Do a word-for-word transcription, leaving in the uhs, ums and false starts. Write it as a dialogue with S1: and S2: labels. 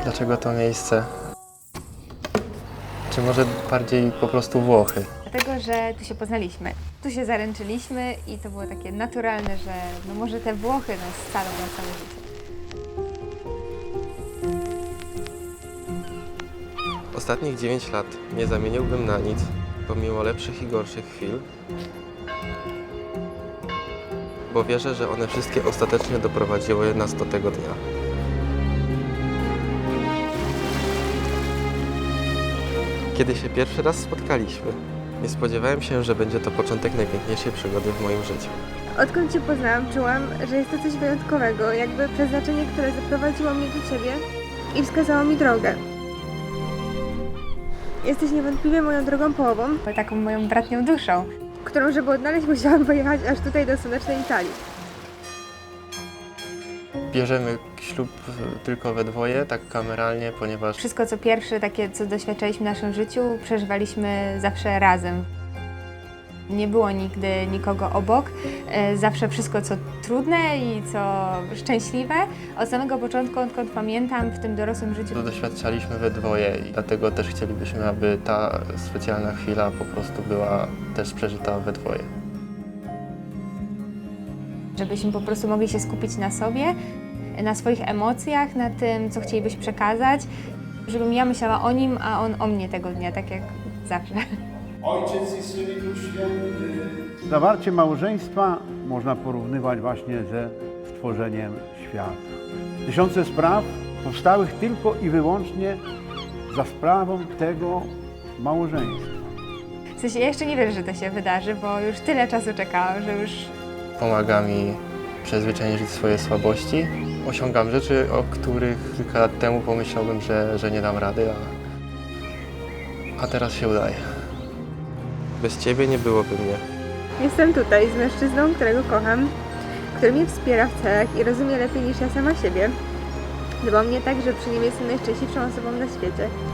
S1: Dlaczego to miejsce? Czy może bardziej po prostu Włochy?
S2: Dlatego, że tu się poznaliśmy, tu się zaręczyliśmy i to było takie naturalne, że no może te Włochy nas scalą na całe życie.
S1: Ostatnich dziewięć lat nie zamieniłbym na nic, pomimo lepszych i gorszych chwil, bo wierzę, że one wszystkie ostatecznie doprowadziły nas do tego dnia. Kiedy się pierwszy raz spotkaliśmy, nie spodziewałem się, że będzie to początek najpiękniejszej przygody w moim życiu.
S3: Odkąd Cię poznałam, czułam, że jest to coś wyjątkowego, jakby przeznaczenie, które zaprowadziło mnie do Ciebie i wskazało mi drogę. Jesteś niewątpliwie moją drugą połową,
S2: Taką moją bratnią duszą.
S3: którą, żeby odnaleźć, musiałam pojechać aż tutaj do słonecznej Italii.
S1: Bierzemy ślub tylko we dwoje, tak kameralnie, ponieważ
S2: Wszystko co pierwsze, takie co doświadczaliśmy w naszym życiu, przeżywaliśmy zawsze razem. Nie było nigdy nikogo obok, e, zawsze wszystko co trudne i co szczęśliwe. Od samego początku, odkąd pamiętam, w tym dorosłym życiu.
S1: to doświadczaliśmy we dwoje i dlatego też chcielibyśmy, aby ta specjalna chwila po prostu była też przeżyta we dwoje.
S2: Żebyśmy po prostu mogli się skupić na sobie, na swoich emocjach, na tym, co chcielibyśmy przekazać. Żebym ja myślała o nim, a on o mnie tego dnia, tak jak zawsze.
S4: Ojciec i Syn i Duch Święty.
S5: Zawarcie małżeństwa można porównywać właśnie ze stworzeniem świata. Tysiące spraw powstałych tylko i wyłącznie za sprawą tego małżeństwa.
S2: W sensie ja jeszcze nie wierzę, że to się wydarzy, bo już tyle czasu czekałam, że już
S1: Pomaga mi przezwyciężyć swoje słabości. Osiągam rzeczy, o których kilka lat temu pomyślałbym, że, że nie dam rady, a, a teraz się udaje. Bez Ciebie nie byłoby mnie.
S3: Jestem tutaj z mężczyzną, którego kocham, który mnie wspiera w celach i rozumie lepiej niż ja sama siebie. Dba o mnie tak, że przy nim jestem najszczęśliwszą osobą na świecie.